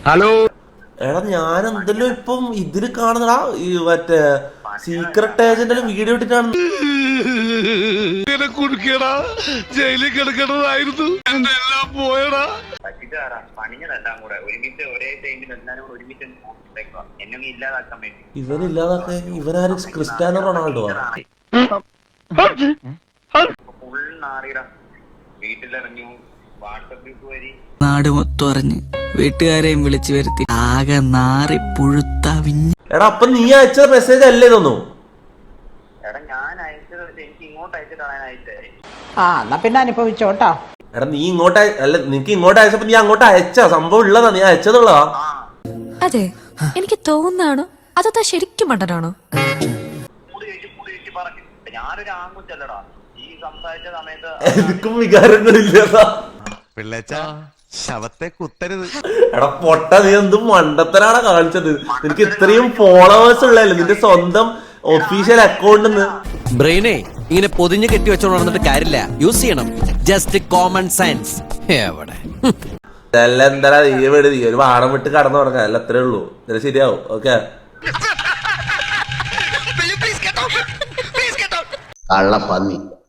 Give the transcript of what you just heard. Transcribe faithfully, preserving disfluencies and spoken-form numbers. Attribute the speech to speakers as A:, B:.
A: Hello
B: എടാ ഞാൻ എന്തെല്ലോ ഇപ്പം ഇതില് കാണുന്നടാ ഈ മറ്റേ സീക്രട്ട് ഏജന്റിൽ വീഡിയോ ഇട്ടിട്ടാണ്.
A: കുടുക്കിയടാ ജയിലിൽ കിടക്കണതായിരുന്നു എന്റെ എല്ലാം പോയടാ.
B: ഇവനില്ലാതാക്കാൻ ഇവനാരും ക്രിസ്ത്യാനോ റൊണാൾഡോ ആണ്.
C: വീട്ടിലിറങ്ങി വാട്സപ്പ് ഗ്രൂപ്പ് വഴി
D: നാട് മൊത്തം അറിഞ്ഞ് വീട്ടുകാരെയും വിളിച്ചു വരുത്തി ആകെ നാറി പുഴുത്ത വിഞ്ഞ്.
B: എടാ അപ്പൊ നീ അയച്ച മെസ്സേജ് അല്ലേ ഇതൊന്നും?
C: എടാ ഞാൻ അയച്ചത് എനിക്ക് ഇങ്ങോട്ട് അയച്ചിട്ടാണ് അയച്ചത്.
E: ആ എന്നാ പിന്നെ അനുഭവിച്ചോട്ടാ.
B: എടാ നീ ഇങ്ങോട്ട് അല്ല നിനക്ക് ഇങ്ങോട്ട് അയച്ചപ്പോ നീ അങ്ങോട്ട് അയച്ച സംഭവം ഉള്ളതാ, നീ അയച്ചതുള്ളതാ.
F: അതെ എനിക്ക് തോന്നാണോ അതോ ശരിക്കും മണ്ടനാണോ?
C: കൂടി ചോദിച്ചു കൂടി ചോദിച്ചു പറഞ്ഞു. ഞാനൊരു ആൺകുച്ചല്ലടാ, ഈ സംസാരിച്ച സമയത്ത്
B: എനിക്കും വികാരങ്ങളില്ലതാ.
G: ശവത്തെ കുത്തരുത്.
B: എടാ പൊട്ട, നീ എന്ത് മണ്ടത്തരാണ് കാണിച്ചത്? നിനക്ക് ഇത്രയും ഫോളോവേഴ്സ് ഉള്ളതല്ലേ നിന്റെ സ്വന്തം ഒഫീഷ്യൽ അക്കൗണ്ടിന്ന്.
H: ബ്രെയിനെ ഇങ്ങനെ പൊതിഞ്ഞ് കെട്ടി വെച്ചോണ്ട് നടന്നിട്ട് കാര്യമില്ല, യൂസ് ചെയ്യണം ജസ്റ്റ് കോമൺ സെൻസ്. എവിടെ
B: എന്താ നീ വീട് നീ ഒരു വാടം വിട്ട് കടന്നു തുടങ്ങാം, അല്ല അത്രേ ഉള്ളൂ. ഇതിന് ശരിയാവും. ഓക്കെ
I: കള്ളപ്പന്നി.